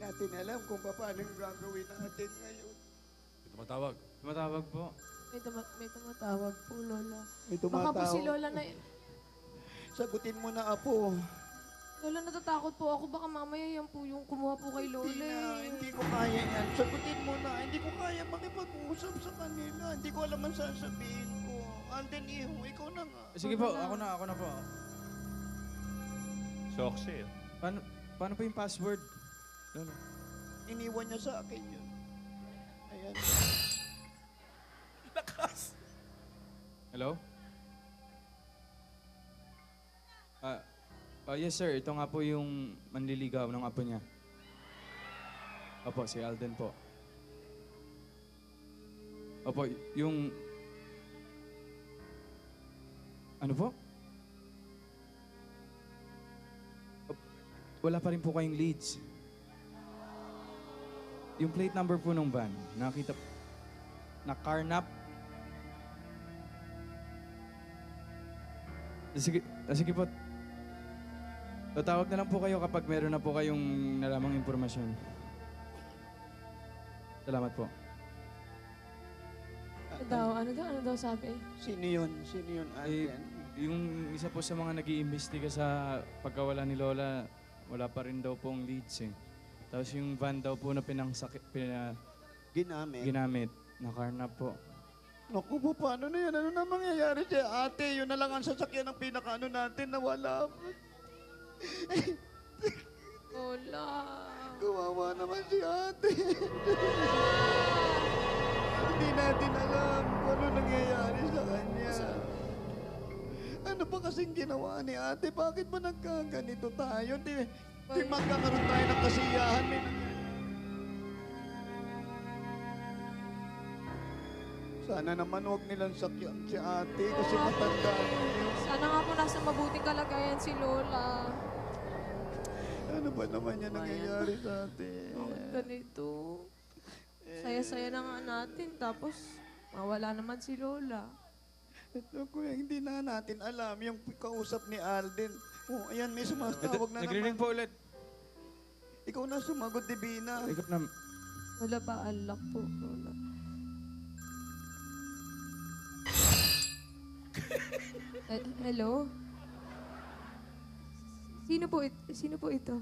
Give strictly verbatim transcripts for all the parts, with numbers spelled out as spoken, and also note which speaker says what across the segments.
Speaker 1: natin alam kung paano yung gagawin natin ngayon.
Speaker 2: May tumatawag.
Speaker 3: Tumatawag po.
Speaker 4: May, tuma may tumatawag po, Lola.
Speaker 1: May
Speaker 4: Baka po si
Speaker 1: tumatawag.
Speaker 4: Lola na...
Speaker 1: Sagutin mo na, Apo.
Speaker 4: Lola, natatakot po ako. Baka mamaya yan po yung kumuha po kay Lola.
Speaker 1: Hindi na,
Speaker 4: eh.
Speaker 1: hindi ko kaya yan. Sagutin mo na. Hindi ko kaya makipag-usap sa kanila. Hindi ko alam ang sasabihin ko. Alden, iho, ikaw na nga.
Speaker 3: Sige po, ako na, ako na po.
Speaker 5: Soxy.
Speaker 3: Paano, paano po yung password? Lolo.
Speaker 1: Iniwan niya sa akin yun. Ayan.
Speaker 2: Lakas!
Speaker 3: Hello? Ah, oh, yes sir, ito nga po yung manliligaw ng apo niya. Opo, si Alden po. Opo, y- yung... Ano po? Op- Wala pa rin po kayong leads. Yung plate number po ng van, nakita... Na carnap. Sige, ah, sige po. Tatawag na lang po kayo kapag meron na po kayong nalamang impormasyon. Salamat po.
Speaker 4: Ano daw? Ano daw? Ano daw sabi?
Speaker 1: Sino yun? Sino yun,
Speaker 3: Eh,
Speaker 1: Alden?
Speaker 3: yung isa po sa mga nag-iimbestiga sa pagkawala ni Lola, wala pa rin daw pong leads eh. Tapos yung van daw po na pinangsakit, pina,
Speaker 1: Ginamit.
Speaker 3: ginamit, nakarnap po.
Speaker 1: Naku po, paano na yan? Ano na mangyayari siya? Ate, yun na lang ang sasakyan ng pinakaano natin na wala.
Speaker 4: Lola.
Speaker 1: Kawawa naman si ate. Hindi natin alam kung ano nangyayari sa kanya. Ano ba kasing ginawa ni ate? Bakit ba nagkaganito tayo? Di, di magkakaroon tayo ng kasiyahan. May nangyayari. Sana naman huwag nilang sakyan si ate kasi
Speaker 4: Oo.
Speaker 1: matanda na yun.
Speaker 4: Sana nga po nasa mabuting kalagayan si Lola.
Speaker 1: Ano ba naman yan nangyayari sa atin?
Speaker 4: Bakit ganito? Saya-saya na nga natin, tapos mawala naman si Lola.
Speaker 1: Ito kuya, hindi na natin alam yung kausap ni Alden. Oh, ayan, may sumatawag na
Speaker 3: Nagre-ring
Speaker 1: naman.
Speaker 3: po ulit.
Speaker 1: Ikaw na sumagot, Divina.
Speaker 3: Ikot na.
Speaker 4: Wala ba alak po, Lola? Eh, hello? Sino po, it sino po ito?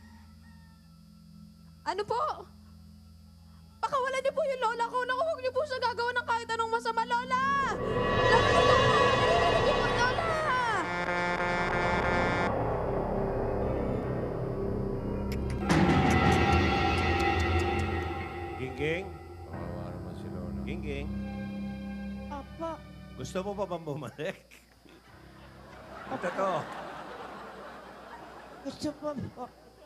Speaker 4: Ano po? Pakawalan niyo po yung lola ko. Naku, huwag niyo po siya gagawa ng kahit anong masama, Lola! Lola, Lola! Narinig niyo po, Lola!
Speaker 5: Gingging?
Speaker 2: Kawawa naman si Lola.
Speaker 5: Gingging?
Speaker 6: Opo.
Speaker 5: Gusto mo pa bang bumalik? Ito to.
Speaker 6: Gusto po po.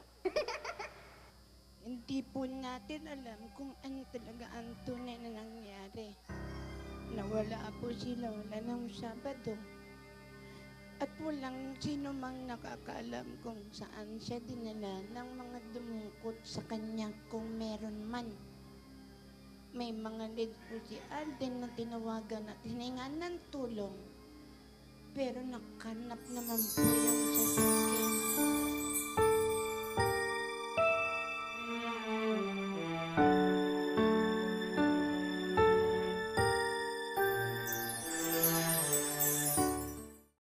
Speaker 6: Hindi po natin alam kung ano talaga ang tunay na nangyari. Nawala po si Lola ng Sabado. At walang sino mang nakakaalam kung saan siya dinala ng mga dumungkot sa kanya kung meron man. May mga lead po si Alden na tinawagan at hiningan ng tulong. Pero nakanap naman po yung sasakyan.